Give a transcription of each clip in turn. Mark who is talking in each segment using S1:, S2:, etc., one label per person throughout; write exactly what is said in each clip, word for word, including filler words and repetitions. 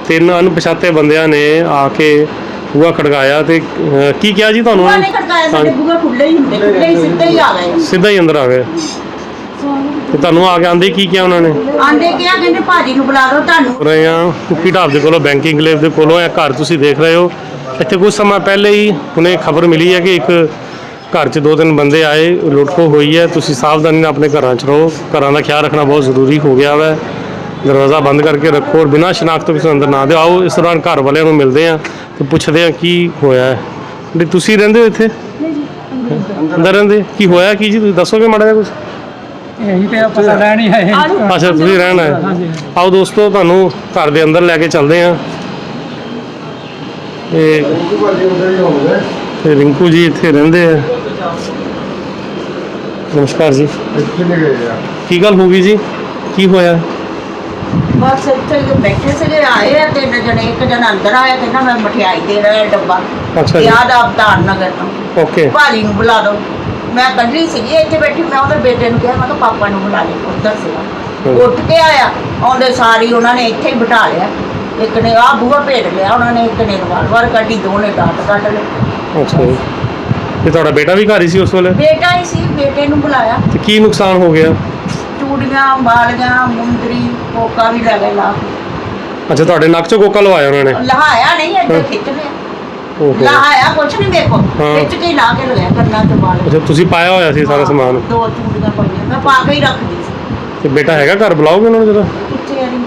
S1: तीन अनपछाते बंदियां ने आके बूहा खड़काया तो की क्या जी तुहानू? सीधा ही अंदर आ गए ਤੇ ਤੁਹਾਨੂੰ ਆ ਕੇ ਆਂਦੇ ਕੀ ਕਿਹਾ ਉਹਨਾਂ ਨੇ?
S2: ਆਂਦੇ ਕਿਹਾ ਕਹਿੰਦੇ ਭਾਜੀ ਨੂੰ ਬੁਲਾ ਲਓ ਤੁਹਾਨੂੰ
S1: ਰਹੇ ਆ ਕੁੱਕੀ ਢਾਬ ਦੇ ਕੋਲੋਂ ਬੈਂਕਿੰਗ ਕਲੇਵ ਦੇ ਕੋਲੋਂ ਇਹ ਘਰ ਤੁਸੀਂ ਦੇਖ ਰਹੇ ਹੋ। ਇੱਥੇ ਕੁਝ ਸਮਾਂ ਪਹਿਲੇ ਹੀ ਹੁਣੇ ਖਬਰ ਮਿਲੀ ਹੈ ਕਿ ਇੱਕ ਘਰ 'ਚ ਦੋ ਤਿੰਨ ਬੰਦੇ ਆਏ, ਲੁੱਟਖੋ ਹੋਈ ਹੈ। ਤੁਸੀਂ ਸਾਵਧਾਨੀ ਨਾਲ ਆਪਣੇ ਘਰਾਂ 'ਚ ਰਹੋ, ਘਰਾਂ ਦਾ ਖਿਆਲ ਰੱਖਣਾ ਬਹੁਤ ਜ਼ਰੂਰੀ ਹੋ ਗਿਆ ਵਾ। ਦਰਵਾਜ਼ਾ ਬੰਦ ਕਰਕੇ ਰੱਖੋ ਔਰ ਬਿਨਾਂ ਸ਼ਨਾਖਤ ਤੋਂ ਕਿਸੇ ਅੰਦਰ ਨਾ ਦਿਓ। ਆਓ ਇਸ ਦੌਰਾਨ ਘਰ ਵਾਲਿਆਂ ਨੂੰ ਮਿਲਦੇ ਆ ਤੇ ਪੁੱਛਦੇ ਆ ਕੀ ਹੋਇਆ ਹੈ। ਵੀ ਤੁਸੀਂ ਰਹਿੰਦੇ ਹੋ ਇੱਥੇ? ਅੰਦਰ ਰਹਿੰਦੇ? ਕੀ ਹੋਇਆ ਕੀ ਜੀ, ਤੁਸੀਂ ਦੱਸੋਗੇ ਮਾੜਾ ਜਿਹਾ ਕੁਝ?
S3: ਇਹੀ ਤੇ ਪਤਾ ਲੈਣੀ ਹੈ।
S1: ਅੱਛਾ ਤੁਸੀਂ ਰਹਿਣਾ ਹੈ। ਆਓ ਦੋਸਤੋ ਤੁਹਾਨੂੰ ਘਰ ਦੇ ਅੰਦਰ ਲੈ ਕੇ ਚੱਲਦੇ ਆ। ਤੇ ਤੇ ਰਿੰਕੂ ਜੀ ਇੱਥੇ ਰਹਿੰਦੇ ਆ। ਨਮਸਕਾਰ ਜੀ। ਕੀ ਗੱਲ ਹੋ ਗਈ ਜੀ, ਕੀ ਹੋਇਆ?
S2: ਬਸ ਇੱਥੇ ਬੈਠੇ ਸੀਗੇ, ਆਏ ਆ ਤਿੰਨ ਜਣੇ। ਇੱਕ ਜਣਾ ਅੰਦਰ ਆਇਆ ਕਹਿੰਦਾ ਮੈਂ ਮਠਿਆਈ ਦੇ ਰਿਹਾ ਡੱਬਾ।
S1: ਅੱਛਾ ਜੀ।
S2: ਯਾਦ ਅਵਤਾਰ ਨਗਰ ਤੋਂ।
S1: ਓਕੇ।
S2: ਭਾਜੀ ਨੂੰ ਬੁਲਾ ਦਿਓ। ਮੈਂ ਕੱਢੀ ਸੀਗੀ ਇੱਥੇ ਬੈਠੀ, ਮੈਂ ਉਹਦੇ ਬੇਟੇ ਨੂੰ ਕਿਹਾ ਮੈਂ ਕਿਹਾ ਪਾਪਾ ਨੂੰ ਬੁਲਾ ਲੈ। ਉੱਧਰ ਸੀਗਾ, ਉੱਠ ਕੇ ਆਇਆ, ਆਉਂਦੇ ਸਾਰੀ ਉਹਨਾਂ ਨੇ ਇੱਥੇ ਹੀ ਬਿਠਾ ਲਿਆ। ਇੱਕ ਨੇ ਆਹ ਬੂਹਾ ਭੇੜ ਲਿਆ ਉਹਨਾਂ ਨੇ, ਇੱਕ ਨੇ ਰਿਵਾਲਵਰ ਕੱਢੀ, ਦੋ ਨੇ ਡਾਟ ਕੱਢ ਲਏ।
S1: ਅੱਛਾ ਜੀ। ਤੇ ਤੁਹਾਡਾ ਬੇਟਾ ਵੀ ਘਰ ਹੀ ਸੀ ਉਸ ਵੇਲੇ?
S2: ਬੇਟਾ ਹੀ ਸੀ, ਬੇਟੇ ਨੂੰ ਬੁਲਾਇਆ।
S1: ਤੇ ਕੀ ਨੁਕਸਾਨ ਹੋ ਗਿਆ?
S2: ਚੂੜੀਆਂ, ਬਾਲੀਆਂ, ਮੁੰਦਰੀ, ਕੋਕਾ ਵੀ ਲੈ ਗਏ ਲਾ।
S1: ਅੱਛਾ ਤੁਹਾਡੇ ਨੱਕ 'ਚੋਂ ਕੋਕਾ ਲਵਾਇਆ ਉਹਨਾਂ ਨੇ?
S2: ਲਹਾਇਆ ਨਹੀਂ, ਇੱਥੇ ਖਿੱਚ ਲਿਆ। ਲਹਾਇਆ ਕੁਛ ਨਹੀਂ, ਦੇਖੋ ਖਿੱਚ ਕੇ ਲਾ ਕੇ ਲਗਾਇਆ ਕੰਨਾਂ 'ਚ ਬਾਲ।
S1: ਅੱਛਾ ਤੁਸੀਂ ਪਾਇਆ ਹੋਇਆ ਸੀ ਸਾਰਾ ਸਮਾਨ?
S2: ਦੋ ਚੂੜੀਆਂ ਪਾਈਆਂ, ਮੈਂ ਪਾ ਕੇ ਹੀ ਰੱਖਦੀ ਸੀ।
S1: ਤੇ ਬੇਟਾ ਹੈਗਾ ਘਰ? ਬੁਲਾਓਗੇ ਉਹਨਾਂ ਨੂੰ ਜਰਾ।
S2: ਕਿੱਥੇ ਆ?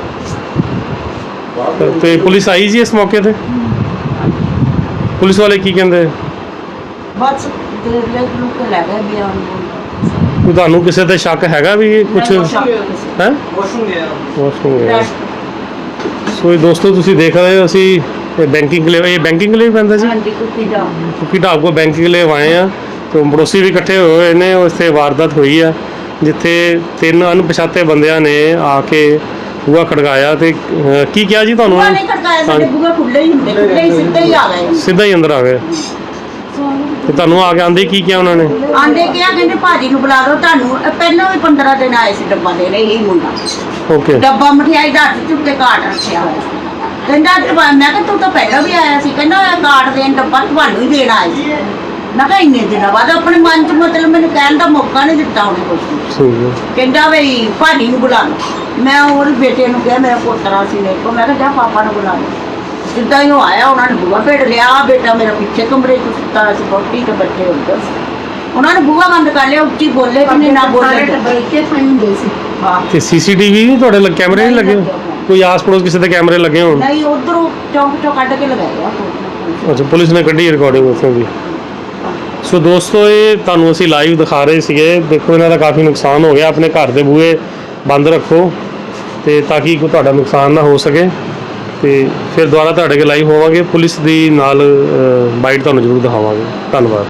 S1: ਤੇ ਪੁਲਿਸ ਆਈ ਜੀ ਇਸ ਮੌਕੇ ਤੇ? ਪੁਲਿਸ ਵਾਲੇ ਕੀ ਕਹਿੰਦੇ?
S2: ਬਸ ਦੇਖ ਲੈ ਲੋਕ ਕੇ ਲੈ ਗਏ ਬਿਆਨ ਬੋਲ।
S1: ਕੋਈ ਤੁਹਾਨੂੰ ਕਿਸੇ ਤੇ ਸ਼ੱਕ ਹੈਗਾ ਵੀ ਕੁਝ ਹੈ?
S3: ਵਾਸ਼ਰੂਮ ਗਿਆ
S1: ਵਾਸ਼ਰੂਮ ਗਿਆ। ਸੋ ਇਹ ਦੋਸਤੋ ਤੁਸੀਂ ਦੇਖ ਰਹੇ ਹੋ ਅਸੀਂ ਬੈਂਕਿੰਗ ਲਈ, ਇਹ ਬੈਂਕਿੰਗ ਲਈ ਪੈਂਦਾ ਜੀ?
S2: ਹਾਂਜੀ, ਕੁੱਤੀ ਦਾ
S1: ਕੁੱਕੀ ਢਾਬ ਕੋ ਬੈਂਕਿੰਗ ਲਈ ਆਏ ਆ। ਤੇ ਪੜੋਸੀ ਵੀ ਇਕੱਠੇ ਹੋਏ ਨੇ। ਉੱਥੇ ਵਾਰਦਾਤ ਹੋਈ ਆ ਜਿੱਥੇ ਤਿੰਨ ਅਣਪਛਾਤੇ ਬੰਦਿਆਂ ਨੇ ਆ ਕੇ ਬੂਹਾ ਖੜਕਾਇਆ ਤੇ ਕੀ ਕਿਹਾ ਜੀ ਤੁਹਾਨੂੰ?
S2: ਬੂਹਾ ਨਹੀਂ ਖੜਕਾਇਆ, ਸਾਡੇ ਬੂਹਾ ਖੁੱਲੇ ਹੀ ਹੁੰਦੇ, ਖੁੱਲੇ ਹੀ ਸਿੱਧੇ ਹੀ ਆ ਗਏ।
S1: ਸਿੱਧਾ ਹੀ ਅੰਦਰ ਆ ਗਏ ਤੇ ਤੁਹਾਨੂੰ ਆ ਕੇ ਆਂਦੇ ਕੀ ਕਿਹਾ ਉਹਨਾਂ ਨੇ?
S2: ਆਂਦੇ ਕਿਹਾ ਕਹਿੰਦੇ ਭਾਜੀ ਨੂੰ ਬੁਲਾ ਲਓ ਤੁਹਾਨੂੰ। ਪਹਿਲਾਂ ਵੀ ਪੰਦਰਾਂ ਦਿਨ ਆਏ ਸੀ ਡੱਬਾ ਦੇਣ, ਇਹੀ ਮੁੰਡਾ।
S1: ਓਕੇ।
S2: ਡੱਬਾ ਮਠਿਆਈ ਦਾ ਹੱਥ ਚੁੱਕ ਕੇ ਕਾਟ ਰੱਖਿਆ ਹੋਇਆ। ਕਹਿੰਦਾ ਡੱਬਾ, ਮੈਂ ਕਿਹਾ ਤੂੰ ਤਾਂ ਪਹਿਲਾਂ ਵੀ ਆਇਆ ਸੀ। ਕਹਿੰਦਾ ਕਾਟ ਦੇਣ ਡੱਬਾ ਤੁਹਾਨੂੰ ਹੀ ਦੇਣ ਆਏ ਸੀ। ਮੈਂ ਕਿਹਾ ਇੰਨੇ ਦਿਨਾਂ ਬਾਅਦ ਆਪਣੇ ਮਨ 'ਚ ਮਤਲਬ ਮੈਨੂੰ ਕਹਿਣ ਦਾ ਮੌਕਾ ਨਹੀਂ ਦਿੱਤਾ ਉਹਨੇ ਕੁਛ। ਕਹਿੰਦਾ ਬਈ ਭਾਜੀ ਨੂੰ ਬੁਲਾ ਲਓ। ਮੈਂ ਉਹਦੇ ਬੇਟੇ ਨੂੰ ਕਿਹਾ, ਮੇਰਾ ਪੋਤਰਾ ਸੀ ਮੇਰੇ ਕੋਲ, ਮੈਂ ਕਿਹਾ ਜਾ ਪਾਪਾ ਨੂੰ ਬੁਲਾ ਲਓ। ਜਿੱਦਾਂ ਹੀ ਉਹ ਆਇਆ ਉਹਨਾਂ ਨੇ ਬੂਹਾ ਭੇੜ ਲਿਆ। ਬੇਟਾ ਮੇਰਾ ਪਿੱਛੇ ਕਮਰੇ 'ਚ ਸੁੱਤਾ ਸੀ, ਵਹੁਟੀ ਤੇ ਬੱਚੇ ਉੱਧਰ ਸੀ। ਉਹਨਾਂ ਨੇ ਬੂਹਾ ਬੰਦ ਕਰ ਲਿਆ, ਉੱਚੀ ਬੋਲੇ ਕਿ ਨਹੀਂ ਨਾ ਬੋਲੇ। ਬੈਠੇ ਪਏ ਹੁੰਦੇ ਸੀ। ਹਾਂ।
S1: ਤੇ ਸੀਸੀਟੀਵੀ ਨਹੀਂ ਤੁਹਾਡੇ ਲੱਗੇ? ਕੈਮਰੇ ਨਹੀਂ ਲੱਗੇ? ਕੋਈ ਆਸ ਪੜੋਸ ਕਿਸੇ ਦੇ ਕੈਮਰੇ ਲੱਗੇ ਹੋਣ?
S2: ਨਹੀਂ, ਉਧਰੋਂ ਚੌਂਕ ਚੋਂ ਕੱਢ ਕੇ ਲਗਾਇਆ।
S1: ਅੱਛਾ ਪੁਲਿਸ ਨੇ ਕੱਢੀ ਰਿਕਾਰਡਿੰਗ ਉੱਥੋਂ ਦੀ। ਸੋ ਦੋਸਤੋ ਇਹ ਤੁਹਾਨੂੰ ਅਸੀਂ ਲਾਈਵ ਦਿਖਾ ਰਹੇ ਸੀਗੇ। ਦੇਖੋ ਇਹਨਾਂ ਦਾ ਕਾਫੀ ਨੁਕਸਾਨ ਹੋ ਗਿਆ। ਆਪਣੇ ਘਰ ਦੇ ਬੂਹੇ ਬੰਦ ਰੱਖੋ ਤੇ ਤਾਂ ਕਿ ਕੋਈ ਤੁਹਾਡਾ ਨੁਕਸਾਨ ਨਾ ਹੋ ਸਕੇ। ਤੇ ਫਿਰ ਦੁਬਾਰਾ ਤੁਹਾਡੇ ਕੋਲ ਲਾਈਵ ਹੋਵਾਂਗੇ। ਪੁਲਿਸ ਦੀ ਨਾਲ ਬਾਈਟ ਤੁਹਾਨੂੰ ਜ਼ਰੂਰ ਦਿਖਾਵਾਂਗੇ। ਧੰਨਵਾਦ।